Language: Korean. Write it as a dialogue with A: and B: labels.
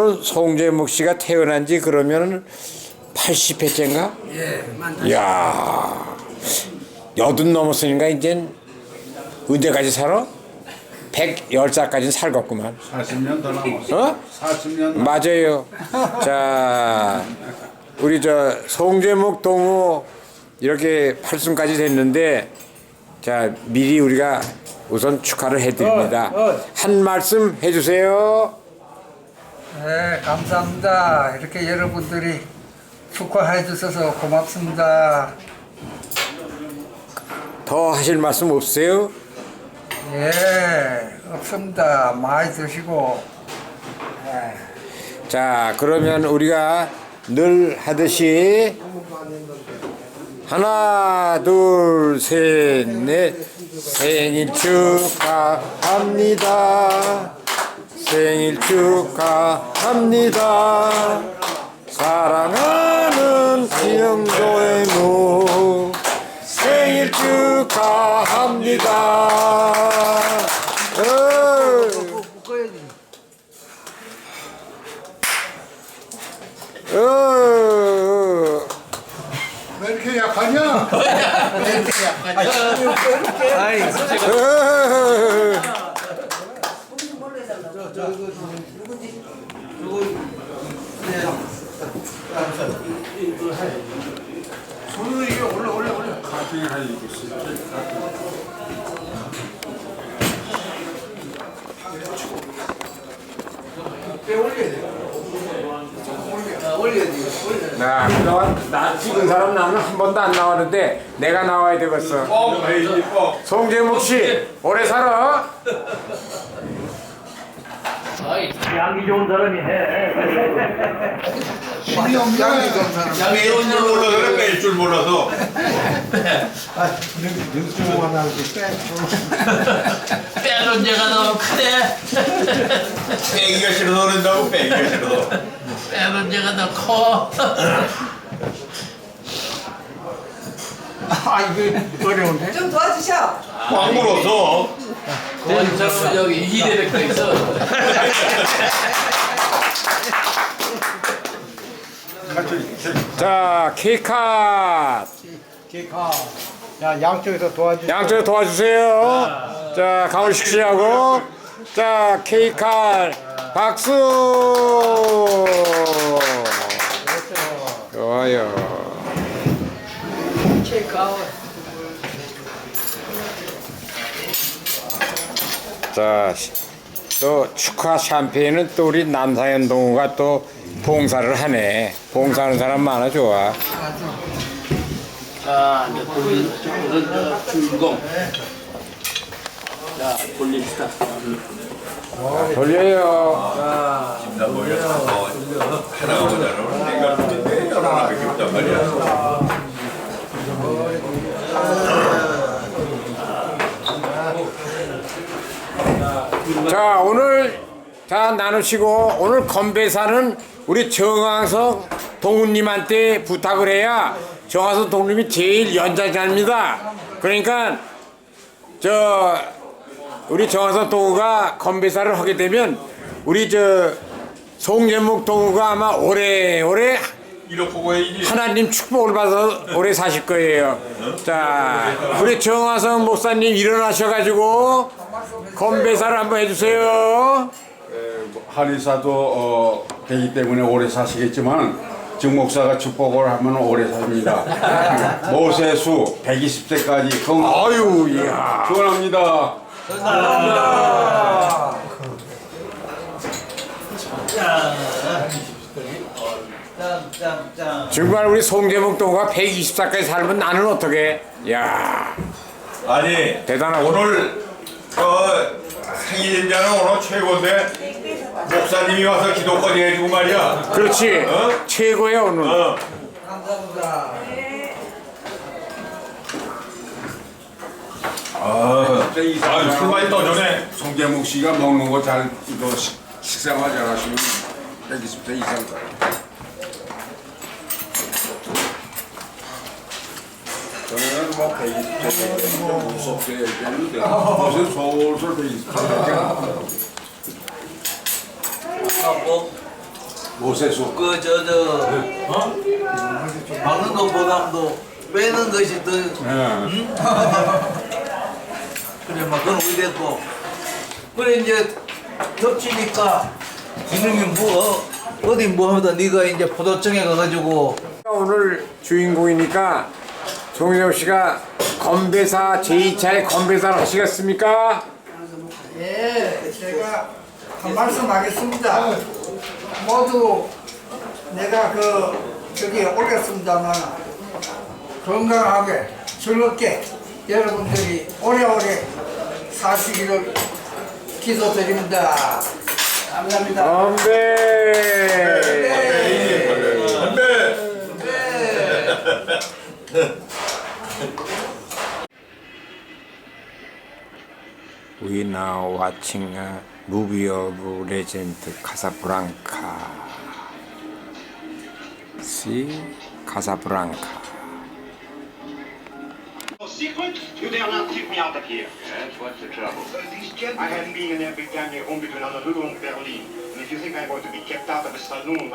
A: 오늘 송재묵 씨가 태어난 지 그러면 80회째인가?
B: 예,
A: 이야, 80 넘었으니까 이젠 언제까지 살아? 110살까지는 살겠구만.
C: 40년 더 남았어.
A: 어?
C: 40년.
A: 맞아요. 자, 우리 저 송재묵 동무 이렇게 8순까지 됐는데, 자 미리 우리가 우선 축하를 해드립니다. 한 말씀 해주세요.
B: 네, 감사합니다. 이렇게 여러분들이 축하해 주셔서 고맙습니다.
A: 더 하실 말씀 없으세요?
B: 예, 없습니다. 많이 드시고.
A: 자, 그러면 우리가 늘 하듯이 하나, 둘, 셋, 넷 생일 축하합니다. 생일 축하합니다. 사랑하는 김영도의 무 생일 축하합니다.
C: 왜 이렇게 약하냐? 손을 이게 올려. 가팅을 하니
A: 나 그동안 나 찍은 사람 나는 한 번도 안 나왔는데 내가 나와야 되겠어. 송재묵 씨 오래 살아.
D: 양이 좋은 사람이 해.
C: 힘이 없네.
E: 양이 좋은 줄 몰라서 그래, 뺄 줄 몰라서.
D: 빼는 데가 너무 크네.
E: 빼기가 싫어서 그런다고, 빼기가 싫어서.
D: 빼는 데가 더 커.
F: 좀 도와주셔.
E: 꽉 물어서.
D: 대장은 여기 이대백도 있어.
A: 자 케이크컷
B: 야, 양쪽에서 도와주세요.
A: 양쪽 도와주세요. 자 강훈식 씨하고 자 케이크컷 박수. 좋아요. 자, 또 축하 샴페인은 또 우리 남사현 동우가 또 봉사를 하네. 봉사하는 사람 많아 좋아.
D: 자, 이제 오늘 주인공. 자, 돌립시다.
A: 돌려요.
E: 나 몰려서 하나가 모자라면 내가 그때 여러 하나밖에 없단 말이야.
A: 자 오늘 자 나누시고 오늘 건배사는 우리 정화석 동우님한테 부탁을 해야 정화석 동우님이 제일 연장자입니다. 그러니까 저 우리 정화석 동우가 건배사를 하게 되면 우리 저 송재묵 동우가 아마 오래오래
E: 이렇게 보고 해야지.
A: 하나님 축복을 받아서 오래 사실 거예요. 자 우리 정화석 목사님 일어나셔가지고 건배사를 한번 해주세요.
C: 한의사도 되기 때문에 오래 사시겠지만 정 목사가 축복을 하면 오래 삽니다. 모세수 120세까지 건강.
A: 아유 이야.
C: 축원합니다.
A: 정말 우리 송재묵 동우가 120살까지 살면 나는 어떻게? 야
E: 아니,
A: 대단하고.
E: 오늘 생일인자는 오늘 최고인데 목사님이 와서 기도까지 해주고 말이야.
A: 그렇지.
E: 어?
A: 최고야 오늘.
B: 감사합니다.
E: 술 많이 떠주네.
C: 송재묵 씨가 먹는 거 잘 이거 식생활 잘 하시면 120세 이상 가요. 저는 뭐 120세 무섭게 얘기했는데 무슨 솔솔 120세 모세수.
G: 박는 것보다도 빼는 것이 더 그래 막 그건 오래됐고 그래 이제 덮치니까 지능이 어디 뭐 하다 네가 이제 포도청에 가가지고
A: 오늘 주인공이니까 정인호 씨가 건배사 제2차의 건배사를 하시겠습니까?
B: 예, 제가 한 말씀 하겠습니다. 모두 내가 저기 올렸습니다만 건강하게 즐겁게 여러분들이 오래오래 사시기를 기도드립니다. 감사합니다.
A: 건배! We now watching a movie of legend Casablanca. See, Casablanca.
H: Secret? You dare not keep me out of here.
E: Yes, what's the trouble?
H: These gentlemen. I had been in every damn year home between Honolulu and Berlin. And if you think I'm going to be kept out of a saloon